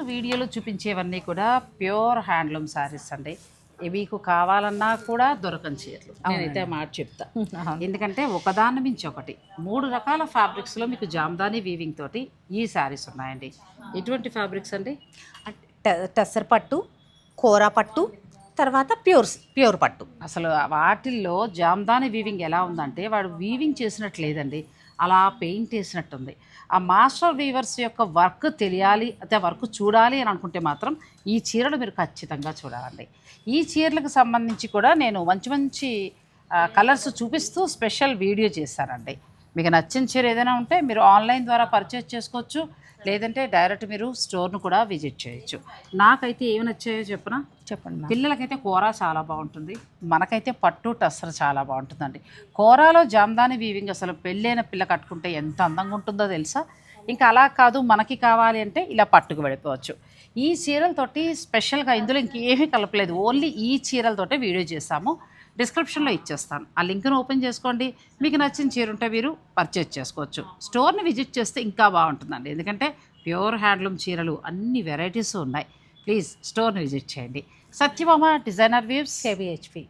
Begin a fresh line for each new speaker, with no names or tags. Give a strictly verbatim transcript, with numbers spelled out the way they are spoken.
వీడియోలో చూపించేవన్నీ కూడా pure handloom saris అండి. మీకు కావాలన్నా కూడా దొరకని చీరలు. నేనైతే ఆ మాట చెప్తా. ఎందుకంటే ఒకదాని మించి ఒకటి మూడు రకాల ఫ్యాబ్రిక్స్లో మీకు జామ్దాని వీవింగ్ తోటి ఈ శారీస్ ఉన్నాయండి. ఎటువంటి ఫ్యాబ్రిక్స్ అండి?
టస్సర్ పట్టు, కోరా పట్టు, తర్వాత ప్యూర్ ప్యూర్ పట్టు.
అసలు వాటిల్లో జామ్దాని వీవింగ్ ఎలా ఉందంటే వాడు వీవింగ్ చేసినట్టు లేదండి, అలా పెయింట్ వేసినట్టుంది. ఆ మాస్టర్ వీవర్స్ యొక్క వర్క్ తెలియాలి, అయితే వర్క్ చూడాలి అని అనుకుంటే మాత్రం ఈ చీరలు మీరు ఖచ్చితంగా చూడాలండి. ఈ చీరలకు సంబంధించి కూడా నేను మంచి మంచి కలర్స్ చూపిస్తూ స్పెషల్ వీడియో చేశానండి. మీకు నచ్చిన చీర ఏదైనా ఉంటే మీరు ఆన్లైన్ ద్వారా పర్చేస్ చేసుకోవచ్చు, లేదంటే డైరెక్ట్ మీరు స్టోర్ను కూడా విజిట్ చేయొచ్చు. నాకైతే ఏమి నచ్చాయో చెప్పనా?
చెప్పండి.
పిల్లలకైతే కూర చాలా బాగుంటుంది, మనకైతే పట్టు టస్సర్ చాలా బాగుంటుందండి. కూరలో జామ్దాని వీవింగ్ అసలు పెళ్ళైన పిల్ల కట్టుకుంటే ఎంత అందంగా ఉంటుందో తెలుసా. ఇంకా అలా కాదు, మనకి కావాలి అంటే ఇలా పట్టుకు వెళ్ళిపోవచ్చు. ఈ చీరలతోటి స్పెషల్గా ఇందులో ఇంకేమీ కలపలేదు, ఓన్లీ ఈ చీరలతోటే వీడియో చేస్తాము. డిస్క్రిప్షన్లో ఇచ్చేస్తాను, ఆ లింక్ను ఓపెన్ చేసుకోండి. మీకు నచ్చిన చీర ఉంటే మీరు పర్చేజ్ చేసుకోవచ్చు. స్టోర్ని విజిట్ చేస్తే ఇంకా బాగుంటుందండి, ఎందుకంటే ప్యూర్ హ్యాండ్లూమ్ చీరలు అన్ని వెరైటీస్ ఉన్నాయి. ప్లీజ్ స్టోర్ని విజిట్ చేయండి. Satyabhama designer weaves,
KBHP.